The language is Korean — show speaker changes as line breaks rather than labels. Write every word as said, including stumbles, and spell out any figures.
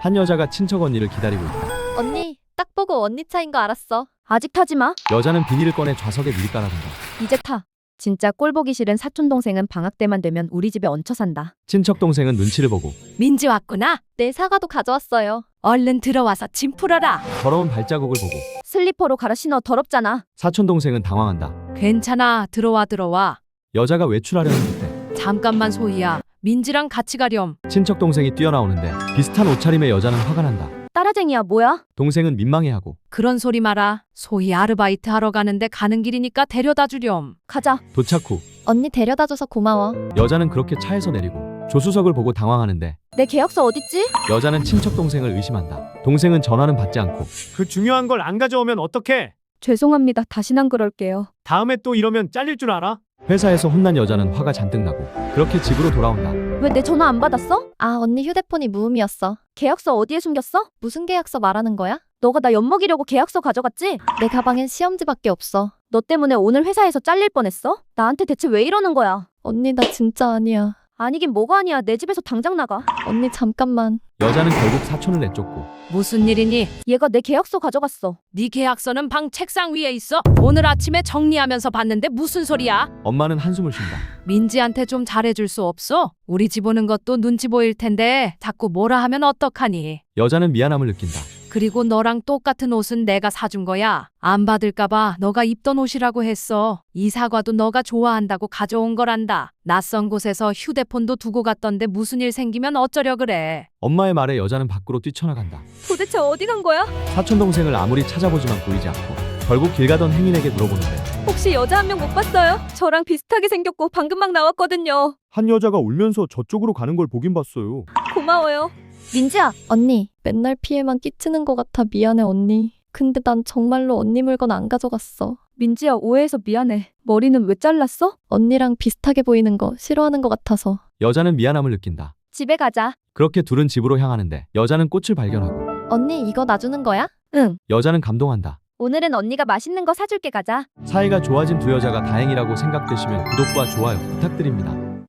한 여자가 친척 언니를 기다리고 있다.
언니, 딱 보고 언니 차인 거 알았어.
아직 타지 마.
여자는 비닐을 꺼내 좌석에 미리 깔아둔다.
이제 타. 진짜 꼴 보기 싫은 사촌 동생은 방학 때만 되면 우리 집에 얹혀 산다.
친척 동생은 눈치를 보고
민지 왔구나.
내 사과도 가져왔어요.
얼른 들어와서 짐 풀어라.
더러운 발자국을 보고
슬리퍼로 갈아 신어 더럽잖아.
사촌 동생은 당황한다.
괜찮아. 들어와 들어와.
여자가 외출하려는 그때
잠깐만 소희야. 민지랑 같이 가렴.
친척 동생이 뛰어나오는데 비슷한 옷차림의 여자는 화가 난다.
따라쟁이야 뭐야?
동생은 민망해하고
그런 소리 마라. 소희 아르바이트 하러 가는데 가는 길이니까 데려다 주렴.
가자.
도착 후
언니 데려다줘서 고마워.
여자는 그렇게 차에서 내리고 조수석을 보고 당황하는데
내 계약서 어딨지?
여자는 친척 동생을 의심한다. 동생은 전화는 받지 않고
그 중요한 걸 안 가져오면 어떡해?
죄송합니다. 다신 안 그럴게요.
다음에 또 이러면 잘릴 줄 알아?
회사에서 혼난 여자는 화가 잔뜩 나고 그렇게 집으로 돌아온다.
왜 내 전화 안 받았어?
아, 언니 휴대폰이 무음이었어.
계약서 어디에 숨겼어?
무슨 계약서 말하는 거야?
너가 나 엿먹이려고 계약서 가져갔지?
내 가방엔 시험지밖에 없어.
너 때문에 오늘 회사에서 잘릴 뻔했어? 나한테 대체 왜 이러는 거야?
언니 나 진짜 아니야.
아니긴 뭐가 아니야. 내 집에서 당장 나가.
언니 잠깐만.
여자는 결국 사촌을 내쫓고
무슨 일이니?
얘가 내 계약서 가져갔어.
네 계약서는 방 책상 위에 있어. 오늘 아침에 정리하면서 봤는데 무슨 소리야?
엄마는 한숨을 쉰다.
민지한테 좀 잘해줄 수 없어? 우리 집 오는 것도 눈치 보일 텐데 자꾸 뭐라 하면 어떡하니?
여자는 미안함을 느낀다.
그리고 너랑 똑같은 옷은 내가 사준 거야. 안 받을까봐 너가 입던 옷이라고 했어. 이 사과도 너가 좋아한다고 가져온 거란다. 낯선 곳에서 휴대폰도 두고 갔던데 무슨 일 생기면 어쩌려 그래.
엄마의 말에 여자는 밖으로 뛰쳐나간다.
도대체 어디 간 거야?
사촌 동생을 아무리 찾아보지만 보이지 않고 결국 길 가던 행인에게 물어보는데
혹시 여자 한 명 못 봤어요? 저랑 비슷하게 생겼고 방금 막 나왔거든요.
한 여자가 울면서 저쪽으로 가는 걸 보긴 봤어요.
고마워요. 민지야.
언니, 맨날 피해만 끼치는 것 같아. 미안해 언니. 근데 난 정말로 언니 물건 안 가져갔어.
민지야 오해해서 미안해. 머리는 왜 잘랐어?
언니랑 비슷하게 보이는 거 싫어하는 것 같아서.
여자는 미안함을 느낀다.
집에 가자.
그렇게 둘은 집으로 향하는데 여자는 꽃을 발견하고
언니 이거 놔주는 거야?
응.
여자는 감동한다.
오늘은 언니가 맛있는 거 사줄게. 가자.
사이가 좋아진 두 여자가 다행이라고 생각되시면 구독과 좋아요 부탁드립니다.